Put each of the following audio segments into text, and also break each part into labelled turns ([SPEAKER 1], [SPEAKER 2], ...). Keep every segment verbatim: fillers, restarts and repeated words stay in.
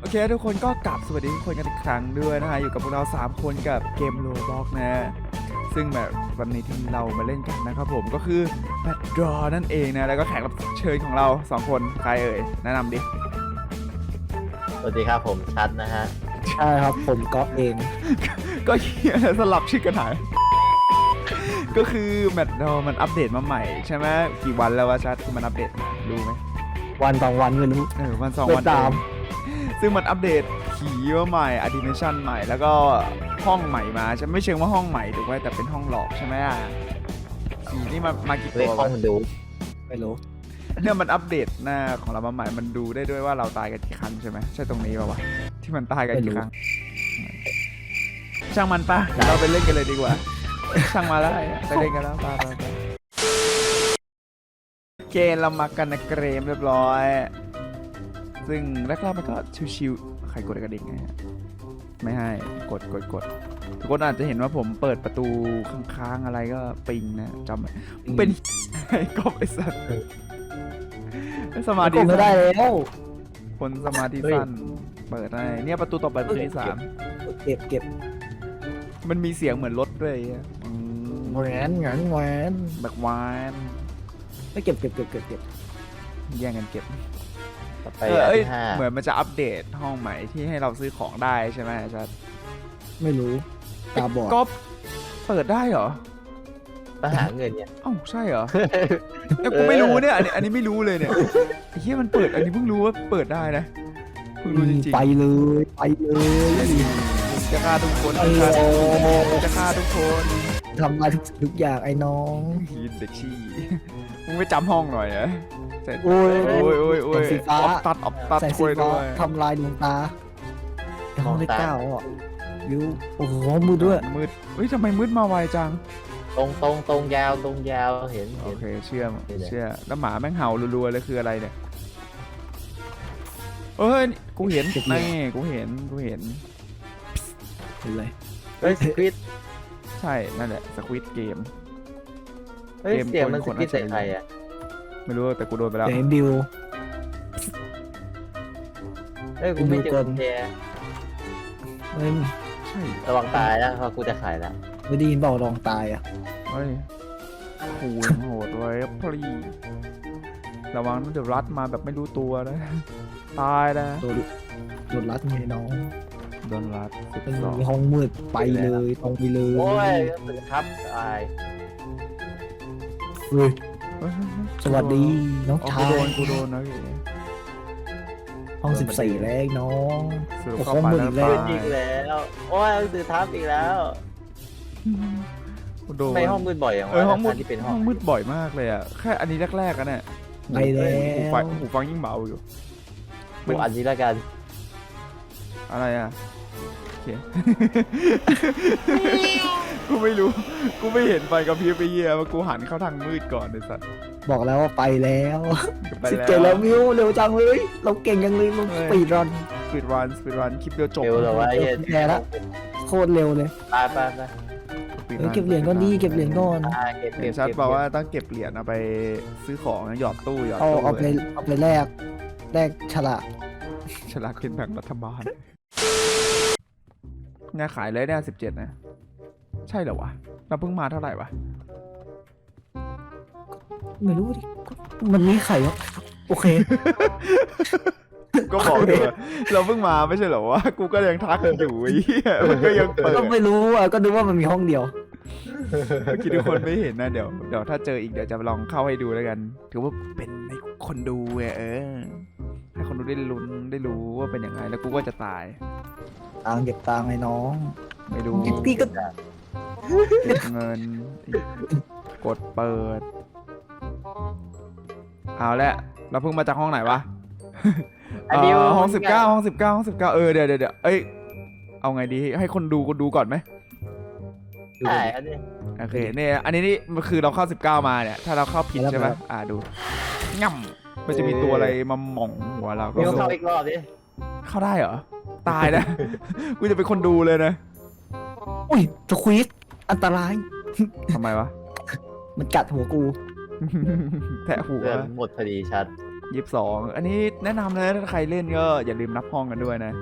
[SPEAKER 1] โอเคทุกคนก็กลับสวัสดีทุกคนกันอีกครั้งด้วยนะฮะอยู่กับพวกเราสามคนกับเกมโรบล็อกนะซึ่งแบบวันนี้ที่เรามาเล่นกันนะครับผมก็คือแมตดรอนั่นเองนะแล้วก็แขกรับเชิญของเราสองคนใครเอ่ยแนะนำดิ
[SPEAKER 2] สวัสดีครับผมชัดนะฮะ
[SPEAKER 3] ใช่ครับผมก๊อฟเอง
[SPEAKER 1] ก็เฮียสลับชื่อกันหายก็คือแมตดรอมันอัปเดตมาใหม่ใช่ไหมกี่วันแล้ววะชัดที่มันอัปเดตมารู้ไหม
[SPEAKER 3] วันสองวันไม่รู้
[SPEAKER 1] เออวันสอง
[SPEAKER 3] ไม่
[SPEAKER 1] วัน
[SPEAKER 3] ตาม
[SPEAKER 1] เองซึ่งมันอัปเดตผีมาใหม่อะดิเมชันใหม่แล้วก็ห้องใหม่มาใช่ไม่เชิงว่าห้องใหม่ถูกไหมแต่เป็นห้องหลอกใช่ไหมอ่ะผีนี่มามากี่
[SPEAKER 2] เรีย
[SPEAKER 1] ตั
[SPEAKER 2] ก
[SPEAKER 1] ว
[SPEAKER 2] ห้อ
[SPEAKER 1] วะ
[SPEAKER 2] งดู
[SPEAKER 3] ไม่รู้
[SPEAKER 1] เนี่ยมันอัปเดตหน้าของเรามาใหม่มันดูได้ด้วยว่าเราตายกันกี่ครั้งใช่ไหมใช่ตรงนี้ป่าวะที่มันตายกันกี่ครั้งช่างมันปะเดี๋ยวเราไปเล่นกันเลยดีกว่าช่างมาแล้วไปเล่นกันแล้วไปไปไปเกมเรามากันนะเกรมเรียบร้อยซึ่งแรกๆมันก็ชิวๆใครกดกระดิ่งไงไม่ให้กดกดกดทุกคนอาจจะเห็นว่าผมเปิดประตูค้างๆอะไรก็ปิงนะจำเป็นไอ้กบไอ้สัตว์สมาธิ
[SPEAKER 3] กดไม่ได้แล้ว
[SPEAKER 1] คนสมาธิสั้นเปิดได้เนี่ยประตูต่อไปประตูที่สาม
[SPEAKER 3] เก็บเก็บ
[SPEAKER 1] มันมีเสียงเหมือนรถด้วยอ่ะอืม
[SPEAKER 3] แหวนแหวนแหวน
[SPEAKER 1] แบบวาน
[SPEAKER 3] ไม่เก็บเก็บเก็บเก็บเก็บ
[SPEAKER 1] แย่งกันเก็บ
[SPEAKER 2] ต่อไป
[SPEAKER 1] เออ
[SPEAKER 2] อัน
[SPEAKER 1] เอ้ย
[SPEAKER 2] ที่ห้า
[SPEAKER 1] เหมือนมันจะอัปเดตห้องใหม่ที่ให้เราซื้อของได้ใช่ไหมอาจารย์
[SPEAKER 3] ไม่รู้ตาบอด
[SPEAKER 1] ก็เปิดได้เหรอ
[SPEAKER 2] ต้องหาเงินเนี่ย
[SPEAKER 1] เอ้าใช่เหรอเอ้ยกูไม่รู้เนี่ยอันนี้อันนี้ไม่รู้เลยเนี่ยไอ้เหี้ยมันเปิดอันนี้เพิ่งรู้ว่าเปิดได้นะเพิ่งรู้จริง
[SPEAKER 3] ไปเลยไปเลย
[SPEAKER 1] ๆจะฆ่าทุกคน
[SPEAKER 3] โอ้โห
[SPEAKER 1] จะฆ่าทุกคน
[SPEAKER 3] ทำลายทุกสิ่งทุกอย่างไอ้น้อง
[SPEAKER 1] ฮีนเด็กชี้มึงไม่จำห้องหน่อยเหรอเสร็จ
[SPEAKER 3] โอ้ย
[SPEAKER 1] โอ้ยโอ้ยโอ้ย
[SPEAKER 3] แสงสีฟ้า
[SPEAKER 1] ออฟตัดออฟตัด
[SPEAKER 3] ใส่
[SPEAKER 1] ช่
[SPEAKER 3] สี
[SPEAKER 1] วย
[SPEAKER 3] ฟ้า
[SPEAKER 1] ด้วย
[SPEAKER 3] ทำลายดวงตาไอ้ห้องที่เก้าอ่ะวิวโอ้โหมือด้วย
[SPEAKER 1] มืดเฮ้ยทำไมมืดมาไวจัง
[SPEAKER 2] ตรงตรงตรงยาวตรงยาวเห็น
[SPEAKER 1] โอ
[SPEAKER 2] เห็น
[SPEAKER 1] เคเชื่อม
[SPEAKER 2] เดี๋ยว
[SPEAKER 1] เชื่อแล้วหมาแม่งเห่ารัวๆเลยคืออะไรเนี่ยเอ้ยกูเห็นนี่กูเห็นกูเห็น
[SPEAKER 3] เห็นเลย
[SPEAKER 2] เฮ้ยสควิต
[SPEAKER 1] ใช่นั่นแหละสควิตเกม
[SPEAKER 2] เฮ้ย
[SPEAKER 1] เกม
[SPEAKER 2] เสียงมัน
[SPEAKER 1] ค
[SPEAKER 2] ส
[SPEAKER 1] น
[SPEAKER 2] ควิต
[SPEAKER 1] คน
[SPEAKER 2] ใส่ใครอ่ะ
[SPEAKER 1] ไม่รู้แต่กูโดนไปแล้ว
[SPEAKER 3] เห็นบิว
[SPEAKER 2] เฮ้ยกูไม่เจ
[SPEAKER 3] ดูก่
[SPEAKER 2] อ
[SPEAKER 3] อน
[SPEAKER 2] กุญแจ
[SPEAKER 3] เฮ้ย
[SPEAKER 1] ใช่
[SPEAKER 2] ระวังตายนะเพราะกูจะขายแล้ว
[SPEAKER 3] ไม่ได้ยินบอกลองตายอ่ะ
[SPEAKER 1] เฮ้ยคูณโหดไว้พลีระวังนะเดี๋ยวรัดมาแบบไม่รู้ตัวนะตายนะ
[SPEAKER 3] โดนโดนรัดไงน้อง
[SPEAKER 1] โดนรัดสิบ
[SPEAKER 3] เป็น
[SPEAKER 1] สอง
[SPEAKER 3] ห้องมืดไปเลยตรงไปเลย
[SPEAKER 2] โอ้ยสึกครับตาย
[SPEAKER 3] เฮ้ยสวัสดีน้อง
[SPEAKER 1] อ๋อ
[SPEAKER 3] ชา
[SPEAKER 1] กูโด
[SPEAKER 3] ย
[SPEAKER 1] นกูโดนนะพี่
[SPEAKER 3] ห้องสิบสี่แล้วน้อง
[SPEAKER 1] สรุป
[SPEAKER 3] โอ้โห
[SPEAKER 1] เข้าไปแล้ว
[SPEAKER 3] มืดอีกแล้ว
[SPEAKER 1] ตาย
[SPEAKER 2] จริงแล้วโอ้ยสื่อทับอีกแล้ว
[SPEAKER 1] กูโดน
[SPEAKER 2] ทำไมห้องมืดบ่อยอย่าง
[SPEAKER 1] เออ
[SPEAKER 2] วะ
[SPEAKER 1] ห้องมืด
[SPEAKER 2] ทั้ที่เป็นห้
[SPEAKER 1] ห้
[SPEAKER 2] อ
[SPEAKER 1] องงมืดบ่อยมากเลยอ่ะแค่อันนี้แรกๆกันเนี่ย
[SPEAKER 3] ไปแล้ว
[SPEAKER 1] หูฟังหูฟังยิ่งเบาอยู่
[SPEAKER 2] กูอันนี้แล้วกัน
[SPEAKER 1] อะไรอ่ะโอเค กูไม่รู้กูไม่เห็นไฟกับพริบไปเยี่ยมกูหันเข้าทางมืดก่อนไอ้สัตว์
[SPEAKER 3] บอกแล้วว่าไปแล้ว
[SPEAKER 1] ไป
[SPEAKER 3] สิบ
[SPEAKER 1] แล้ว
[SPEAKER 3] เจ็ดแล้วมิวเร็วจังเลยเราเก่งจังเลยเราสปีดรัน
[SPEAKER 1] สปีดรันสปีดรันคลิปเดียวจบ
[SPEAKER 2] เร็วเหรอวะไอ้เหี้ย
[SPEAKER 3] แพ้ละ โคตรเร็วเลย
[SPEAKER 2] ไปไปไป
[SPEAKER 1] speed
[SPEAKER 3] เฮ้ย
[SPEAKER 1] run
[SPEAKER 3] เก็บเหรียญก่อนดีเก็บเหรียญก่อน
[SPEAKER 2] อ่าเก็บ
[SPEAKER 1] เห็
[SPEAKER 2] เก็
[SPEAKER 1] น
[SPEAKER 2] บ
[SPEAKER 1] ชัด
[SPEAKER 2] เก็บ
[SPEAKER 1] บอกว่าต้องเก็บเหรียญเอาไปซื้อของนะหยอดตู้หยอด
[SPEAKER 3] เอา
[SPEAKER 1] ตู้
[SPEAKER 3] เอาไปเอาไปแลกแลกฉลาก
[SPEAKER 1] ฉลากกินแบ่งรัฐบาลงานขายเลยได้สิบเจ็ดนะ ใช่เหรอวะ เราเพิ่งมาเท่าไหร่วะ
[SPEAKER 3] ไม่รู้ดิมันมีไข่วะโอเค
[SPEAKER 1] ก็บอกเลยว่าเราเพิ่งมาไม่ใช่เหรอวะ กูก็ยังทักกันอยู่ไอ้เหี้ยมันก็ยังเปิด
[SPEAKER 3] ก็ไม่รู้อ่ะก็นึกว่ามันมีห้องเดียว
[SPEAKER 1] เมื่อกี้ทุกคนไม่เห็นนะเดี๋ยวเดี๋ยวถ้าเจออีกเดี๋ยวจะลองเข้าให้ดูแล้วกัน ถือว่าเป็นให้คนดูไงเออ ให้คนดูได้ลุ้นได้รู้ว่าเป็นยังไงแล้วกูก็จะตาย
[SPEAKER 3] ตังค์เก็บตังค์ไอ้น้อง
[SPEAKER 1] ไม่ดู
[SPEAKER 3] พี่ก็
[SPEAKER 1] เก็บเงินกดเปิด เอาละเราเพิ่งมาจากห้องไหนวะ
[SPEAKER 2] อันนี้
[SPEAKER 1] เอ่อห้องสิบเก้าห้องสิบเก้าห้องสิบเก้าเออเดี๋ยวเดี๋ยวเดี๋ยวเอ้ยเอาไงดีให้คนดูคนดูก่อนไหม
[SPEAKER 3] ดู
[SPEAKER 2] ใช่อันนี้
[SPEAKER 1] โอเคเนี่ยอันนี้นี่มันคือเราเข้าสิบเก้ามาเนี่ยถ้าเราเข้าผิดใช่ไหมอ่าดูง่ำมันจะมีตัวอะไรมาหม่องหัวเราก็
[SPEAKER 2] มิวเข้าอีกรอบดิ
[SPEAKER 1] เข้าได้เหรอตายนะ กูจะเป็นคนดูเลยนะ
[SPEAKER 3] อุ้ยสควีสอันตราย
[SPEAKER 1] ทำไมวะ
[SPEAKER 3] มันกัดหัวกู
[SPEAKER 1] แทะหัว
[SPEAKER 2] เรื่องหมดพอดีชัด
[SPEAKER 1] ยี่สิบสองอันนี้แนะนำเลยถ้าใครเล่นก็อย่าลืมนับห้องกันด้วยนะ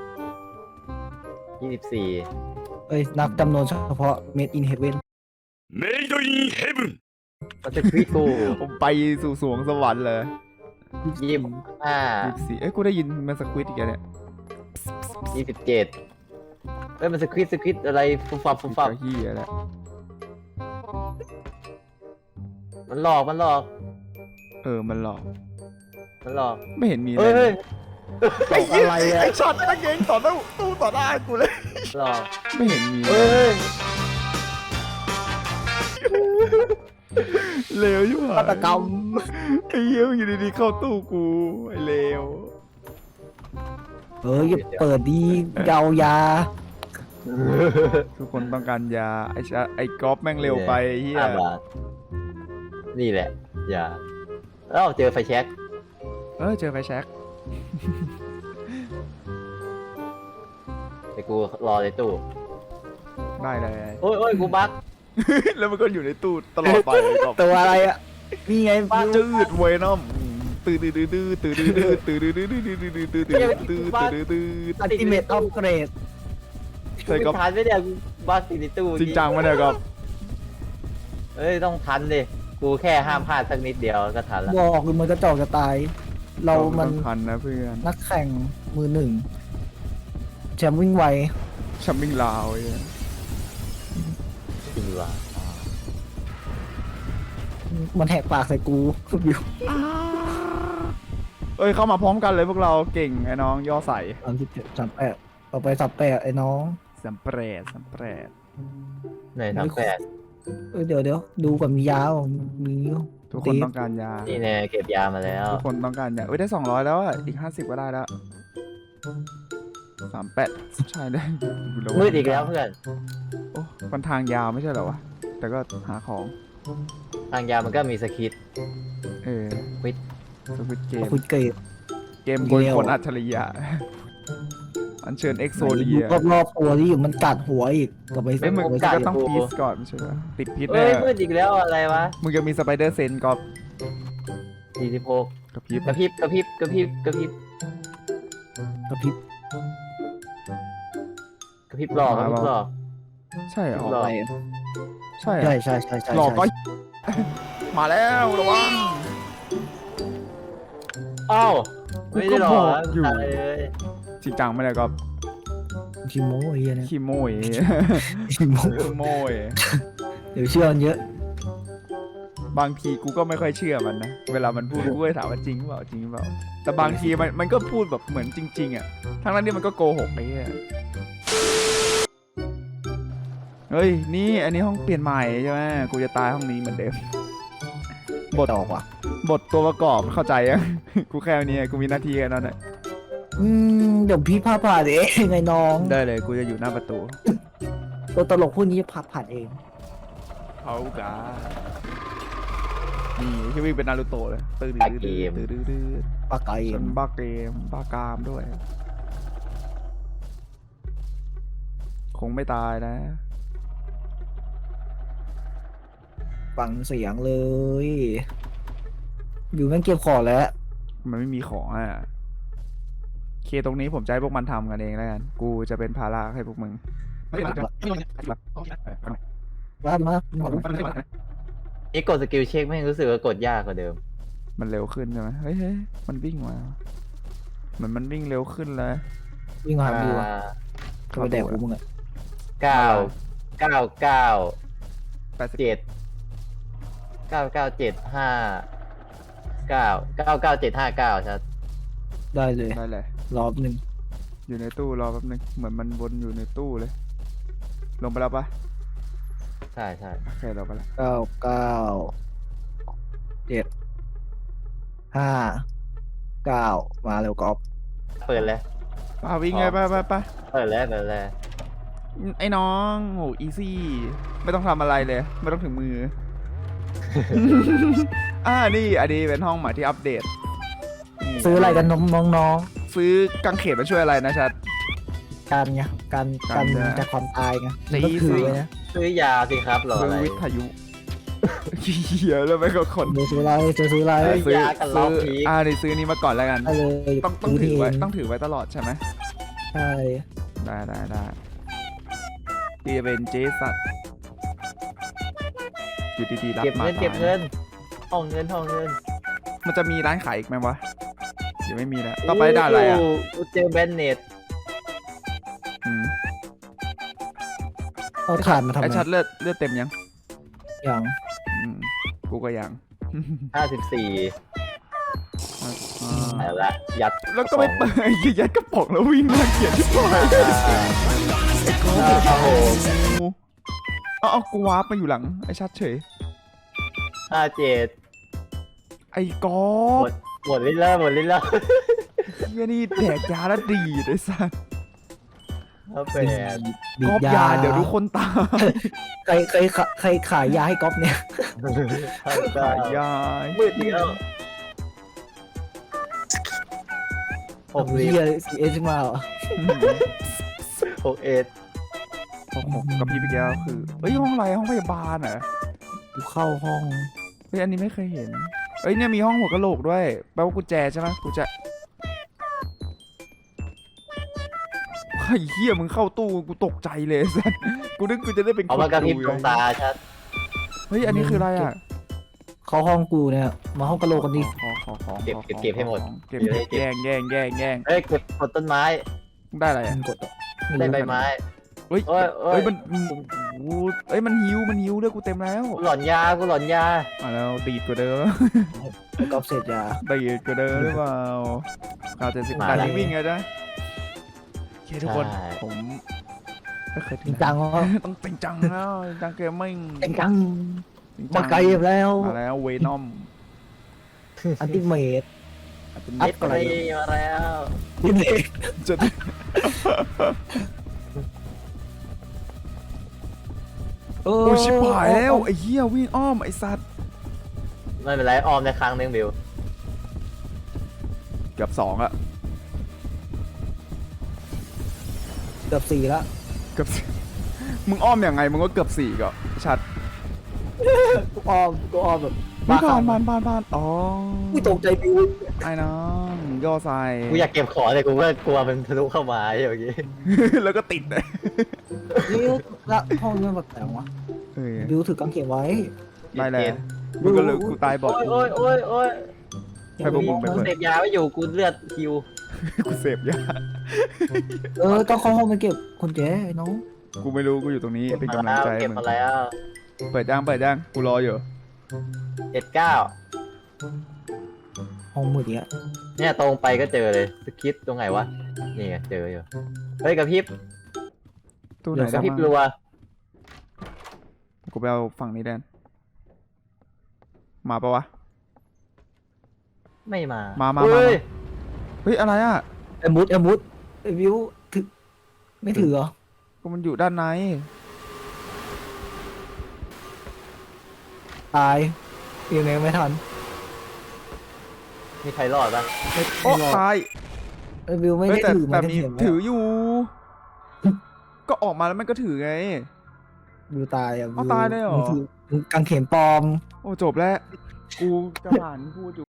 [SPEAKER 2] ยี่สิบสี่
[SPEAKER 3] เอ้ยนับจำนวนเฉพาะ Made in Heaven
[SPEAKER 4] メイドインヘブン
[SPEAKER 2] มันจะควิดกู
[SPEAKER 1] ผมไปสู่สวงสวรรค์เลย
[SPEAKER 2] ยี่สิบห้า
[SPEAKER 1] ยี่สิบสี่เอ้ยกูได้ยินมันสควิตอีกแล้วเนี่ย
[SPEAKER 2] ยี่สิบเจ็ดเอ้ยมันสควิดสควิดอะไรฟุบฟับฟุบฟับ
[SPEAKER 1] เจ้าเฮียแล้ว
[SPEAKER 2] มันหลอกมันหลอก
[SPEAKER 1] เออมันหลอก
[SPEAKER 2] มันหลอก
[SPEAKER 1] ไม่เห็นมี
[SPEAKER 2] เฮ้ย
[SPEAKER 1] เล
[SPEAKER 2] เฮ้
[SPEAKER 1] ย
[SPEAKER 2] ย
[SPEAKER 1] ไอ้เหี้ยไอ้ช็อตนักเก่งต่อตู้ตู้ต่อหน้ากูเลย
[SPEAKER 2] หลอก
[SPEAKER 1] ไม่เห็นมี
[SPEAKER 2] เฮ้ย
[SPEAKER 1] เลวอยู่ห
[SPEAKER 3] ฆาตกรรม
[SPEAKER 1] ไอ้เหี้ยมึงอยู่ดีๆเข้าตู้กูไอ้เลว
[SPEAKER 3] เอ้ยอย่าเปิดดีเยาวยา
[SPEAKER 1] ทุกคนต้องการยาไอ้ชะไอ้ก๊อฟแม่งเร็วไปไอ้เหี้ย
[SPEAKER 2] ห้าบาทนี่แหละ อย่าเอ้าเจอไฟแช็ก
[SPEAKER 1] เออเจอไฟแช็ก
[SPEAKER 2] แต่กูรอในตู้
[SPEAKER 1] ได้เลย
[SPEAKER 2] โอ้ยโอ้ยกูบัก
[SPEAKER 1] แล้วมันก็อยู่ในตู้ตลอดไปก๊อฟ
[SPEAKER 3] ตัวอะไรอ่ะนี่ไง
[SPEAKER 1] จืดเวนอมตื่นตื่นตื่นตื่นตื่นตื่นตื่นตื่นตื่นตื่นตื่นตื่นตื่นตื่นตื่นตื่น
[SPEAKER 3] อัลติเมทออฟเกรด
[SPEAKER 1] ใช่ก๊อฟ
[SPEAKER 2] ทันไม่ได้กูบักอยู่ในตู้
[SPEAKER 1] จริงจังมาเนี่ยก๊อฟ
[SPEAKER 2] เอ้ยต้องทันดิกูแค่ห้ามพลาดสักนิดเดียวก็ทันละ
[SPEAKER 3] บอกเลยมันกระจอกจะตาย เรามัน
[SPEAKER 1] ทันนะเพื่อน
[SPEAKER 3] นักแข่งมือหนึ่งแชมป์วิ่งไว
[SPEAKER 1] ชัมมิ่งลาวไอ้
[SPEAKER 2] จริงว่ะ
[SPEAKER 3] มันแหกปากใส่กูวิว
[SPEAKER 1] เอ้ยเข้ามาพร้อมกันเลยพวกเราเก่งไอ้น้องย่อใส่
[SPEAKER 3] สามสิบเจ็ดสามแปดต่อไปสามแปดไอ้น้อง
[SPEAKER 1] สัมเปรดสัมเปรด
[SPEAKER 2] ไหนทำแปด
[SPEAKER 3] เออเดี๋ยวเดี๋ยวดูก่อนมียาวมี
[SPEAKER 1] ทุกคนต้องการยา
[SPEAKER 2] นี่แน่เก็บยามาแล้ว
[SPEAKER 1] ทุกคนต้องการยาเอ้ยได้สองร้อยแล้วอ่ะอีกห้าสิบก็ได้แล้วสามแปดใช่ได้
[SPEAKER 2] มืดอีกแล้วเพื่อน
[SPEAKER 1] โอ้มันทางยาวไม่ใช่เหรอวะแต่ก็หาของ
[SPEAKER 2] ทางยามันก็มีสคริปต์
[SPEAKER 1] เออ
[SPEAKER 2] วิด
[SPEAKER 1] สวิตเกม
[SPEAKER 3] คุยเกต
[SPEAKER 1] เกมโกยคนอัจฉริยะอันเชิญเอ็กโซเดีย
[SPEAKER 3] รอบรอบตัวที่อยู่มันกัดหัวอีกต่อไป
[SPEAKER 1] เอ้ยมึง
[SPEAKER 3] ต่อไป
[SPEAKER 1] ก็ต้องพีซก่อนไม่ใช่เหรอติดพิษ
[SPEAKER 2] เอ้
[SPEAKER 1] แน่
[SPEAKER 2] ยมืดอีกแล้วอะไรวะ
[SPEAKER 1] มึงจะมีสไปเดอร์เซนก็
[SPEAKER 2] สี่สิบหก
[SPEAKER 1] กับพิษ
[SPEAKER 2] กระพริบกระพริบกระพริบกระพริบ
[SPEAKER 3] กระพริบ
[SPEAKER 2] กระพริบหลอกกระพริบหลอก
[SPEAKER 1] ใช่เหรอ
[SPEAKER 2] หลอก
[SPEAKER 1] ใช่เหร
[SPEAKER 3] ใช่
[SPEAKER 1] อ
[SPEAKER 3] ใช่ใช่ใช่
[SPEAKER 1] หลอกก็ มาแล้วระวัง
[SPEAKER 2] อ้าว
[SPEAKER 1] กู
[SPEAKER 2] ไม่
[SPEAKER 1] ก็
[SPEAKER 2] ได้หล
[SPEAKER 1] บ
[SPEAKER 2] อ
[SPEAKER 1] อก กอยู่
[SPEAKER 2] อะไรเลย
[SPEAKER 1] จริงจังไม่ได้ก็
[SPEAKER 3] คิโมไอ้เหี้ยเนี่ย
[SPEAKER 1] ขี้โมย
[SPEAKER 3] คิโม
[SPEAKER 1] ขี้โมย
[SPEAKER 3] เดี๋ยวเชื่อมันเยอะ
[SPEAKER 1] บางทีกูก็ไม่ค่อยเชื่อมันนะ เวลามันพูดกูก็ถามว่าจริงเปล่าจริงเปล่า แต่บางทีมันมันก็พูดแบบเหมือนจริง ๆอ่ะ ทั้งนั้นที่มันก็โกหกไอ้เหี้ยเฮ้ย นี่อันนี้ห้องเปลี่ยนใหม่ใช่ไหมกูจะตายห้องนี้เหมือนเดิม บท
[SPEAKER 3] ดอกว่ะ
[SPEAKER 1] บทตัวประกอบเข้าใจยัง กูแค่นี้กูมีหน้าที่แค่นั้นแหละ
[SPEAKER 3] อืมเดี๋ยวพี่พาผ่านเองไงน้อง
[SPEAKER 1] ได้เลยกูจะอยู่หน้าประตู
[SPEAKER 3] ตัวตลกพวกนี้พาผ่านเอง
[SPEAKER 1] เขากานี่ที่วิ่งเป็นนารูโตะเลยตื่นดื้อดื้อตื่นดื้อดื้อ
[SPEAKER 3] ปากไก่
[SPEAKER 1] ฉันบ้าเกมบ้ากามด้วย คงไม่ตายนะ
[SPEAKER 3] ฟังเสียงเลย อยู่แม่งเก็บของแล้ว
[SPEAKER 1] มันไม่มีของอ่ะเคตรงนี้ผมจะให้พวกมันทำกันเองแล้วกัน กูจะเป็นภาระให้พวกมึง
[SPEAKER 3] ว่ามา
[SPEAKER 2] นี่กดสกิลเช็คไม่งรู้สึกว่ากดยากกว่าเดิม
[SPEAKER 1] มันเร็วขึ้นใช่ไหมเฮ้ยเฮ้ยมันวิ่งมาเหมือนมันวิ่งเร็วขึ้นเลย
[SPEAKER 3] วิ่งมาหาดู
[SPEAKER 2] อ่า
[SPEAKER 3] ก็ไปแดกกูมึงอะ
[SPEAKER 2] เก้าเก้าเก้า
[SPEAKER 1] แปดสิบ
[SPEAKER 2] เจ็ดเก้าเก้าเจ็ดห้าเก้าเก้าเก้าเจ็ดห้าเก้าชัด
[SPEAKER 3] ได้เลย
[SPEAKER 1] ได้เลย
[SPEAKER 3] รอบหนึ่ง
[SPEAKER 1] อยู่ในตู้รอแป๊บนึง เหมือนมันวนอยู่ในตู้เลย ลงไปแล้วปะ
[SPEAKER 2] ใช่ใช่
[SPEAKER 1] โอเคลงไปแล้ว
[SPEAKER 3] เก้าเก้าเจ็ดห้าเก้ามาเร็วกอล์ฟ
[SPEAKER 2] เปิดแล้ว
[SPEAKER 1] ป้าวิ่งไงไปไปไป
[SPEAKER 2] เปิดแล้วเปิดแล้ว
[SPEAKER 1] ไอ้น้องโหอีซี่ ไม่ต้องทำอะไรเลย ไม่ต้องถึงมือ อ่านี่อันนี้เป็นห้องใหม่ที่อัปเดตนี่
[SPEAKER 3] ซื้ออะไรกันน้องน้อง
[SPEAKER 1] ซื้อกางเขนมาช่วยอะไรนะชัด
[SPEAKER 3] ๆการไงการ
[SPEAKER 1] กา
[SPEAKER 3] การ ร
[SPEAKER 1] จะ
[SPEAKER 3] จากความตายไง
[SPEAKER 1] ตี
[SPEAKER 3] ก็คือ
[SPEAKER 1] สิ
[SPEAKER 3] ไว้นะ
[SPEAKER 2] ซื้อยาสิครับรอ
[SPEAKER 1] ซื้
[SPEAKER 2] อะ
[SPEAKER 1] อ
[SPEAKER 2] ไร
[SPEAKER 1] วิทยุเหี้ยแล้วไม่ก็คน
[SPEAKER 3] เดี๋ยวซื้ออะไรจะซื้ออะไร
[SPEAKER 1] เออซื้อย
[SPEAKER 2] ากันร
[SPEAKER 1] ซื้
[SPEAKER 2] อ
[SPEAKER 1] อบ
[SPEAKER 2] พีค
[SPEAKER 1] อ่านี่ซื้อนี้มาก่อนแล้วกัน
[SPEAKER 3] ได้เลย
[SPEAKER 1] ต้องต้องถือไว้ต้องถือไว้ตลอดใช่ไหม
[SPEAKER 3] ใช่
[SPEAKER 1] ได้ได้ได้ที่จะเป็นเจสัตอยู่ดีๆรับ
[SPEAKER 2] เก็บ
[SPEAKER 1] มา
[SPEAKER 2] เงินเก็บเงินห้องเงินห้องเงิน
[SPEAKER 1] มันจะมีร้านขายอีกไหมวะเดี๋ยวไม่มีแล้วต่อไปด่าอะไรอ่ะ
[SPEAKER 2] โกูเจอแบนเนต
[SPEAKER 1] อืม
[SPEAKER 3] เอาถ่านมาทำ
[SPEAKER 1] ไอ
[SPEAKER 3] ไม
[SPEAKER 1] ชัดเลือดเลือดเต็มยัง
[SPEAKER 3] อย่าง
[SPEAKER 1] อืมกูก็ยัง
[SPEAKER 2] ห้าสิบสี่
[SPEAKER 1] อ่า
[SPEAKER 2] แต่ละยัด
[SPEAKER 1] แล้วก็ไม่เปิดยัดกระป๋องแล้ววิ่งมาเขียนที่ปลาย
[SPEAKER 2] ครับผม
[SPEAKER 1] เอาเอากูวาร์ปมาอยู่หลังไอชัดเฉย
[SPEAKER 2] ห้าเจ็ด
[SPEAKER 1] ไอ้กอ
[SPEAKER 2] หม
[SPEAKER 1] ฟ
[SPEAKER 2] ดหมดลิ้นแล้วหมดลิ้นแล้ว
[SPEAKER 1] เฮียนี่แดกยาแล้วดีดไอ้สัส
[SPEAKER 2] ครับแปด
[SPEAKER 3] บี
[SPEAKER 1] กอบ ฟยาเดี๋ยวทุกคนตาย
[SPEAKER 3] ใครใครใครใครขายยาให้ก๊อฟเนี่ย
[SPEAKER 2] ห้า
[SPEAKER 1] ขาย
[SPEAKER 2] เก้าย
[SPEAKER 1] า
[SPEAKER 2] มืดอีกแล้วหก
[SPEAKER 3] เฮี
[SPEAKER 2] สิบ
[SPEAKER 3] ยซีเอชมาเหรอ
[SPEAKER 2] หกเอ็ด
[SPEAKER 1] หกหกกับพี่ไปแก้วคือเฮ้ยห้องอะไรห้องพยาบาลเหรอ
[SPEAKER 3] กูเข้าห้อง
[SPEAKER 1] เฮ้ยอันนี้ไม่เคยเห็นเอ้ยเนี่ยมีห้องหัวกะโหลกด้วยแปลว่ากุญแจใช่ไหมกุญแจไอ้เหี้ยมึงเข้าตู้กูตกใจเลยสัสกูนึกกูจะได้เป็น
[SPEAKER 2] เอามากระพริบ
[SPEAKER 1] ดู
[SPEAKER 2] ดวงตาชัด
[SPEAKER 1] เฮ้ยอันนี้คืออะไรอ่ะ
[SPEAKER 3] เข้าห้องกูเนี่ยมาห้องกะโหลกกันดิ
[SPEAKER 1] ขอขอขอ
[SPEAKER 2] เก็บ
[SPEAKER 1] ขอ
[SPEAKER 2] เก็บเก็บให้หมด
[SPEAKER 1] เก็บเก็บแย่งแย่งแย่งแย่ง
[SPEAKER 2] เฮ้ยกดกดต้นไม้
[SPEAKER 1] ได้อะไรอ่ะ
[SPEAKER 3] มึงกดต่อ
[SPEAKER 2] ได้ใบไม้
[SPEAKER 1] เฮ้ย
[SPEAKER 2] โอ้ยโอ้
[SPEAKER 1] เฮ้
[SPEAKER 2] ย
[SPEAKER 1] ยมันโอ้เอ้ยมันหิวมันหิวเลือดกูเต็มแล้ว
[SPEAKER 2] กูหลอนยากูหลอนยา
[SPEAKER 1] มาแล้วดีดกว่าเดิม
[SPEAKER 3] ก๊อฟเสร็จยา
[SPEAKER 1] ดีดกว่าเดิมหรือเปล่าข่าวเจ็ดสิบการวิ่งไงจ๊ะโอเคทุกคนผมไม่เคย
[SPEAKER 3] จ
[SPEAKER 1] ถึ
[SPEAKER 3] ริ
[SPEAKER 1] ง
[SPEAKER 3] งจังวะ
[SPEAKER 1] ต้องจริงจังแล้วจริงจังเกมมิ่ง
[SPEAKER 3] จริงจัง
[SPEAKER 1] จริงจั
[SPEAKER 3] มาง ไกลแล้ว
[SPEAKER 1] มาแล้วเวนอม
[SPEAKER 3] อันติเมต อั
[SPEAKER 2] เอ็
[SPEAKER 3] พ
[SPEAKER 2] ด
[SPEAKER 3] ก่อน
[SPEAKER 2] ไปมาแล้ว
[SPEAKER 3] ดิเมต
[SPEAKER 1] จะ
[SPEAKER 3] โอ้
[SPEAKER 1] โอ้ชิบหายแล้วไอ้เหี้ยวิ่งอ้อมไอ้สัตว์
[SPEAKER 2] ไม่เป็นไรออมในครั้งหนึงบิว
[SPEAKER 1] เกือบสองอะ
[SPEAKER 3] เกือบสี่ละ
[SPEAKER 1] เกือบสี่มึงอ้อมยังไงมึงก็เกือบสี่ก็ชัด
[SPEAKER 3] กูออมกูออมแบบ
[SPEAKER 1] ไม่ผ่านผ่านผ่านผ่านอ๋อ
[SPEAKER 3] กูตกใจบิว
[SPEAKER 1] ไอ้น้องย่อใส่
[SPEAKER 2] กูอยากเก็บของแต่กูก็กลัวมันทะลุเข้ามาอย่างงี้
[SPEAKER 1] แล้วก็ติดเลย
[SPEAKER 3] นี่ละห้องนี้มันแบบแต่งวะ
[SPEAKER 1] เฮ้ย
[SPEAKER 3] บิวถือกางเขนไว้
[SPEAKER 1] ได้แล้วมึงก็เลยกูตายบอก
[SPEAKER 2] โอ้ยโอ้ยโอ้ยโอ้ย
[SPEAKER 1] ให้พวกมึงไป
[SPEAKER 2] กู
[SPEAKER 1] เปิด
[SPEAKER 2] เสพยาไม่อยู่กูเลือดคิว
[SPEAKER 1] กูเสพยา
[SPEAKER 3] เออต้องเข้าห้องไปเก็บคนแก่ไอ้น้อง
[SPEAKER 1] กูไม่รู้กูอยู่ตรงนี้เป็นกำลังใจ
[SPEAKER 2] เก็บ
[SPEAKER 1] มึง
[SPEAKER 2] มาแล้ว
[SPEAKER 1] เปิดย่างเปิดย่างกูรออยู่
[SPEAKER 2] เจ็ดเก้า
[SPEAKER 3] ห้องมืดเนี้ย
[SPEAKER 2] เนี่ยตรงไปก็เจอเลยสคริปต์ตรงไหนวะนี่ไงเจออยู่เฮ้ยกระพริบ
[SPEAKER 1] ตู้ไหน
[SPEAKER 2] กระ
[SPEAKER 1] ได้
[SPEAKER 2] พริบ
[SPEAKER 1] มั้ง
[SPEAKER 2] รัว
[SPEAKER 1] กูไปเอาฝั่งนี้แดนมาปะวะ
[SPEAKER 2] ไม่มา
[SPEAKER 1] มามา
[SPEAKER 2] เฮ้ย
[SPEAKER 1] มา เฮ้ยอะไรอ่ะ
[SPEAKER 3] ไอ้มุดไอ้มุดไอ้บิวถือไม่ถือเหรอ
[SPEAKER 1] ก็มันอยู่ด้านใน
[SPEAKER 3] ตายยังไงไม่ทัน
[SPEAKER 2] มีใครรอดปะ
[SPEAKER 3] ไม่
[SPEAKER 1] โอ้
[SPEAKER 3] ไม่รอด
[SPEAKER 1] ตาย
[SPEAKER 3] ไอ้บิวไม่
[SPEAKER 1] เฮ้ย
[SPEAKER 3] ได้
[SPEAKER 1] แต่
[SPEAKER 3] ถือ
[SPEAKER 1] แต่
[SPEAKER 3] ไม่ได้
[SPEAKER 1] มี
[SPEAKER 3] เห็น
[SPEAKER 1] ถืออยู่ ก็ออกมาแล้วมันก็ถือไง
[SPEAKER 3] บิวตายอ่ะ
[SPEAKER 1] เอาตายเลยเหรอ
[SPEAKER 3] มึงถืมึงกางเขนปลอม
[SPEAKER 1] โอ้จบแล้ว กูจะผ่านพูดอยู่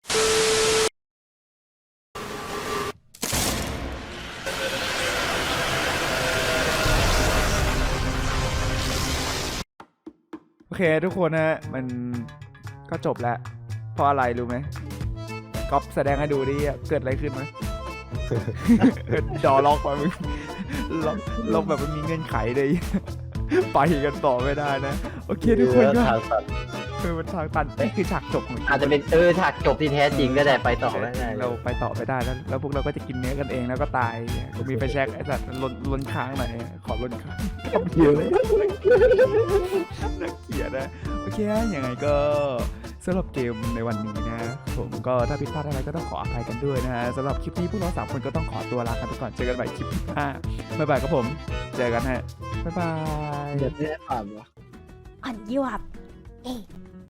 [SPEAKER 1] โอเคทุกคนนะฮะมันก็จบแล้ว เพราะอะไรรู้ไหมก๊อฟแสดงให้ดูดิเกิดอะไรขึ้นไหม จอล็อกมามึงล็อกล็อกแบบมันมีเงื่อนไขเลย ไปกันต่อไม่ได้นะ โอเคทุกคนก็
[SPEAKER 2] ทางสัตว์
[SPEAKER 1] คือมันทางตันนี่คือฉากจบของ
[SPEAKER 2] อาจจะเป็นเออฉากจบที่แท้จริงก็ได้ไปต่อไม่ได้
[SPEAKER 1] เราไปต่อไม่ได้แล้วแล้วพวกเราก็จะกินเนื้อกันเองแล้วก็ตายกูมีไฟแช็กไอ้สัตว์ล้นล้นค้างหน่อยขอล้นค้างเยอะเลยน่าเกลียดนะโอเคยังไงก็สำหรับเกมในวันนี้นะผมก็ถ้าผิดพลาดอะไรก็ต้องขออภัยกันด้วยนะฮะสำหรับคลิปนี้พวกเราสามคนก็ต้องขอตัวลากันไปก่อนเจอกันใหม่คลิปหน้าบ๊ายบายครับผมเจอกันฮะบ๊ายบาย
[SPEAKER 3] เดี๋ยวไม่ได้ผ่านวะ
[SPEAKER 5] on you up. Hey,